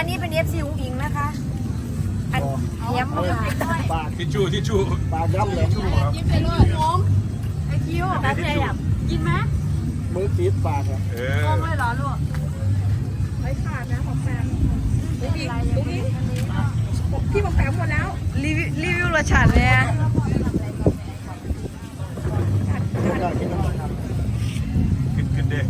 นนี้เป็น FC อุ้งอิงนะคะอันเยี่ยมมากปากทิชชู่ปากย่ำเลยกินไปเลยงมไอคิวตาพี่อยากกินไหมมือกีดปากอ่ะงมเลยเหรอลูกไม่ขาดนะของแฟนลูกอีกพี่บอกแฟนหมดแล้วรีวิวรสชาติเลยขึ้นเด้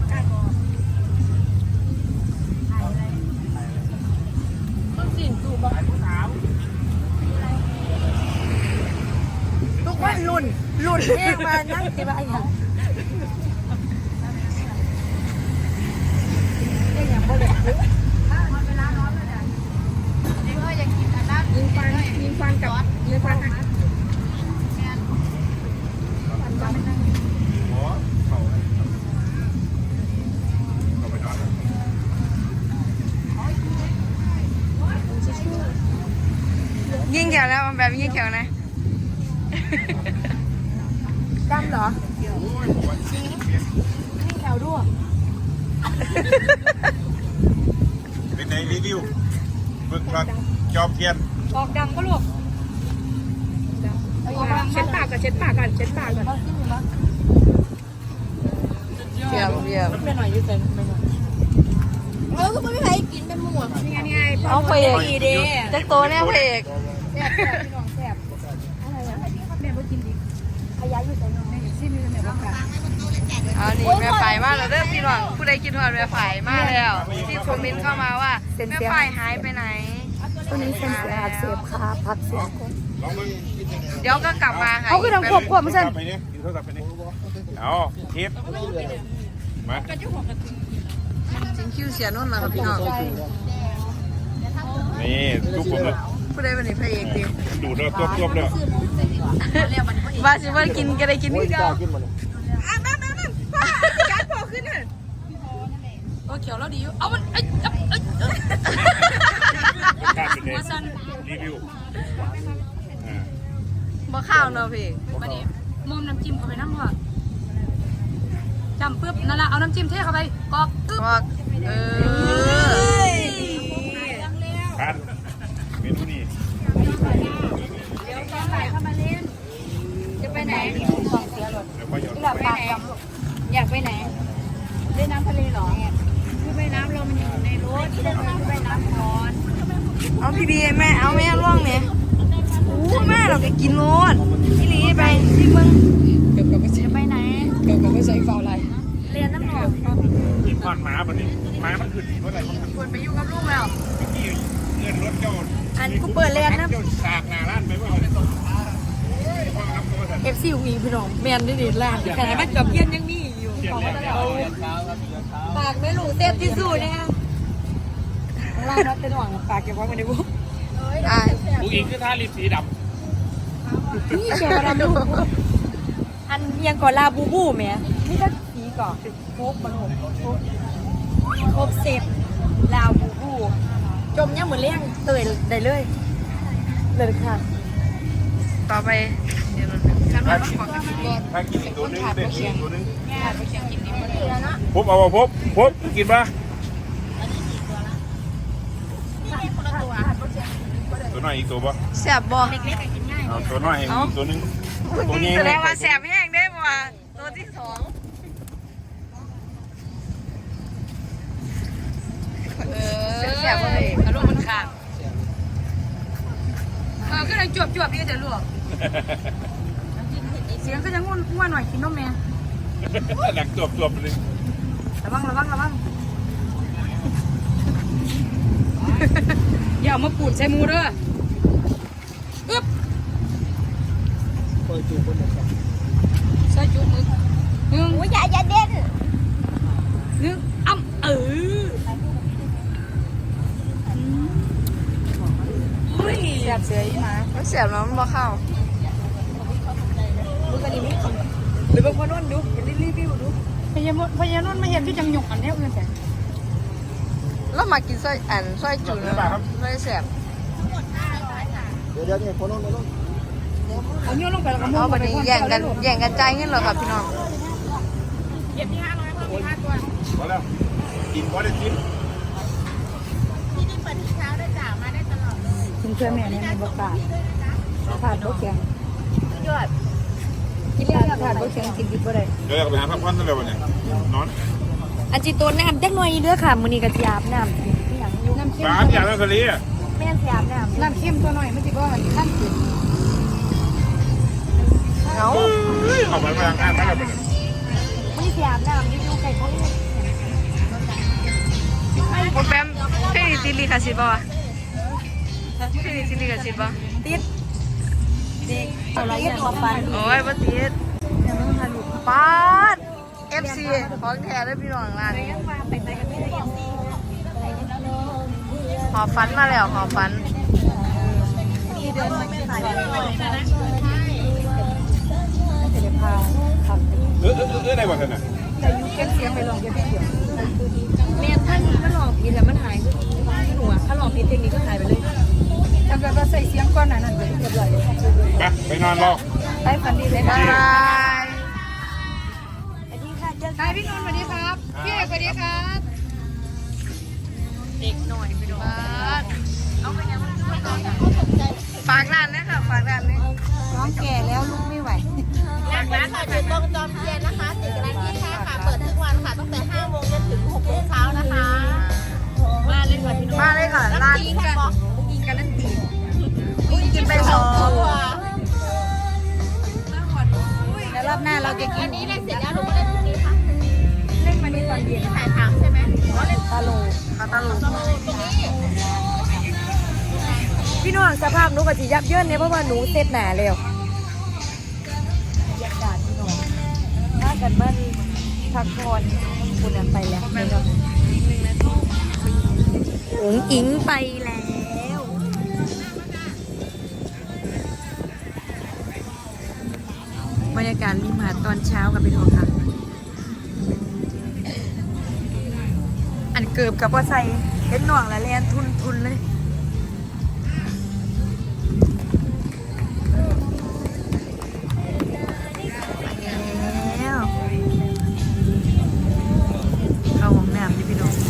ทุกคนลุ่นเองมานั่งสิบ้าอย่างยิงฟันกับยิงฟันยิ่งแขวนะแบบยิ่งแขวนะดำเหรอยิ่งแขวด้วยเป็นในรีวิวเบิ่งว่าจอมเทียนออกดังก็ลูกเช็ดปากกันเช็ดปากกันเช็ดปากกันเยี่ยมไม่หน่อยยืดเส้นไม่หน่อยก็ไม่มีใครกินเป็นหมูนี่ไงเอาเพลงจะโตแน่เพลงแซ่บพี่น้องแซ่บอะไรนะแม่ก็กินดิขยายอยู่แต่น้องแม่อยู่ที่มีแม่ก็ค่ะเอานี่แม่ฝ่ายมาแล้วเด้อพี่น้องผู้ใดคิดว่าแม่ฝ่ายมาแล้วที่คอมเมนต์เข้ามาว่าแม่ฝ่ายหายไปไหนตัวนี้เส้นเสียอักเสบขาพักเสียเดี๋ยวก็กลับมาค่ะเขาคือทำควบไม่ใช่ไปเนี่ยกินโทรศัพท์ไปเนี่ยเอาคลิปมาจริงคิวเสียนุ่นนะครับพี่น้องนี่ทุกคนเลยผู้ใดเป็นพระเอกดิดูเด้อตัวเด้อว่าสิว่ากินก็ได้กินที่เก่าการพอขึ้นเลยโอ้เขียวแล้วดีอยู่เอามันมาสั้นรีวิวบ่ข้าวเนาะพี่มาดิมุมน้ำจิ้มเข้าไปน้ำหัวจำปึ๊บนั่นแหละเอาน้ำจิ้มเทเข้าไปกอกปึ๊บกันเมนูนี้เดี๋ยวตอนไหนเข้ามาเล่นจะไปไหนหลับปากอยากไปไหนเล่นน้ำทะเลหรอคือไปน้ำเรามันอยู่ในรถไปน้ำก่อนเอาพี่บีแม่เอาแม่ล่วงเนี่ยอู้แม่เราก็กินโน้ตพี่ลีไปที่มึงจะไปไหนเกี่ยวกับไม่ใช่ฟาวไรเรียนน้ำหอมกินก้อนม้าแบบนี้ม้ามันขึ้นเท่าไหร่มันควรไปอยู่กับลูกแล้วเงินรถเจ้าอันกูเปิดเรียนนะสากหน้าร้านไปว่า FC วีพี่น้องแมนได้ดีแรกแต่มันกับเย็นยังมีอยู่ปากไม่หลูเต็มที่สุดเนี่ยล่างนัดเป็นหวังปากเก็บไว้ไม่ได้บุ๊กผู้หญิงคือท่าลิปสีดำนี่เชียร์ดำลูกอันยังก่อนลาบูบูแม่นี่ก็สีก่อนโคบมันโคบเสร็จลาบูบูจมยังเหมือนเลี้ยงเตยได้เลยค่ะต่อไปเดี๋ยวฉันว่าต้องขอกันก่อนถ้ากินตัวนึงเด็กตัวนึงพบเอาพบกินปะตัวน้อยอีกตัวปะแสบบ่เอาตัวน้อยอีกตัวนึงตัวนี้แสดงว่าแสบแห้งได้บ่ตัวที่สองแสบบ่เลยอารมณ์มันขาดก็เลยจวบดีแต่ลูกเสียงก็จะง่วนหน่อยกินนมแม่หนักจวบเลยระวังอย่ามาปูดใส่มูเด้ออึ๊บใส่จุมือหนึ่งอย่าเด่นหนึ่งแสบเสียอีมาไม่แสบแล้วมันบ่เข้าดูกันดีไหมหรือบางคนนุ่นดูเป็นรีวิวดูพยานนุ่นไม่เห็นที่จังหยกอันนี้เพื่อนแสบแล้วมากินไส้จุ่นไม่แสบเดี๋ยวนี่คนนุ่นเอาเงี้ยลงไปแล้วก็เอาไปแย่งกันใจเงี้ยเหรอครับพี่น้องเก็บที่500เพิ่มอีก5ตัวพอแล้วกินพอได้กินที่นี่ไปถึงเพื่อนแม่เนี่ยมีบกาขาดบกแข็งยอดกินเรื่องขาดบกแข็งกินดิบบ่ได้เดี๋ยวอยากไปหาพักผ่อนนั่นเลยวันนี้นอนอันจิโตนน้ำจักหน่อยเด้อค่ะมื้อนี้ก็สิอาบน้ำที่หยังอยู่น้ำเข้มร้านอย่างนั้นทะเลอ่ะแม่นสิอาบน้ำน้ำเข้มตัวหน่อยไม่ติดว่าขั้นขึ้นเอาออกไปทางข้างไปแล้วไปเลยมื้อนี้สิอาบน้ำอยู่ไกลทะเลโปรแกรมเพลงนี้ติดลิขสิทธิ์ป่ะวะเพลงนี้ติดลิขสิทธิ์ป่ะติดเด็กอะไรอย่างมาฟันโอ้ยบ่ติดปาด FC ของแท้เลยพี่น้องร้านนี้ยังว่าไปกันไม่ได้ยังซีหอฟันมาแล้วหอฟันมีเดินมาไม่ขายได้เลยนะจะได้พาทำได้บ่ท่านน่ะแต่ยูเก็บเสียงไปลองเก็บเสียงแม่ท่านมันหลอกผิดแล้วมันหายคือหนูอะถ้าหลอกผิดเทคนิคก็หายไปเลยถ้าเกิดว่าใส่เสียงก้อนนั้นไปเรียบร้อยเลยไปนอนรอได้ฝันดีเลยบ๊ายบายอันนี้ค่ะเจอ hi พี่นนท์สวัสดีครับพี่เอกสวัสดีครับเด็กหน่อยไปดูปาดฝากร้านนะค่ะฝากร้านนะน้องแก่แล้วลุกไม่ไหวร้านค่ะอยู่ตรงจอมเทียนนะคะติดกับร้าน25ค่ะ เปิดทุกวันค่ะ ตั้งแต่5โมงจนถึง6โมงเช้านะคะมาเลยค่ะพี่น้องมาเลยค่ะร้านกินกันบอกกินกันนั่นตีกินไปสองตัวแล้วรอบหน้าเราจะกิอันนนี้เล่นเสร็จแล้วหนูก็เล่นพรุ่งนี้ค่ะเล่นมาในตอนเย็นถ่ายถามใช่ไหมอ๋อเล่นตาโลคาตาลูตรงนี้พี่น้องสภาพหนูก็จะยับเยินเนี่ยเพราะว่าหนูเสร็จหนาแล้วบรรยากาศพี่น้องถ้ากันมันพักผ่อนคุณไปแล้วไม่ต้องอุ๋งอิงไปแล้วบรรยากาศริมหาดตอนเช้ากับพี่น้องค่ะ อันเกือบกับว่าใส่เห็นหน่วงแล้วแลนทุนเลยแล้วเข้าห้องน้ำนี่พี่น้อง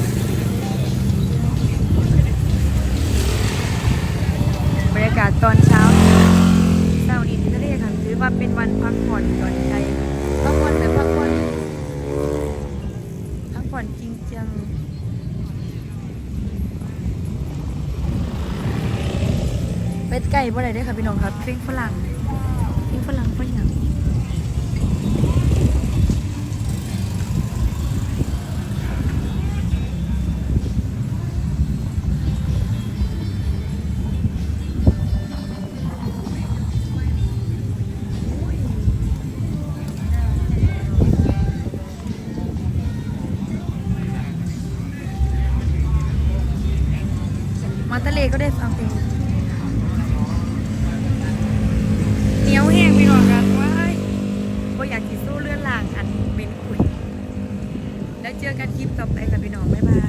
บรรยากาศตอนเช้าเช้านี้ที่ทะเลค่ะถือว่าเป็นวันพักผ่อนหย่อนใจพักผ่อนแบบพักผ่อนจริงจังเป็ดไก่บ่ได้เด้อค่ะพี่น้องครับปิ้งฝรั่งฝรั่งมาทะเลก็ได้ฟังเพลงเหนียวแห้งพี่น้องครับว้ายบ่อยากกินสู้เลื่อนลางอันเป็นขุยแล้วเจอกันคลิปต่อไปกับพี่น้องบ๊ายบาย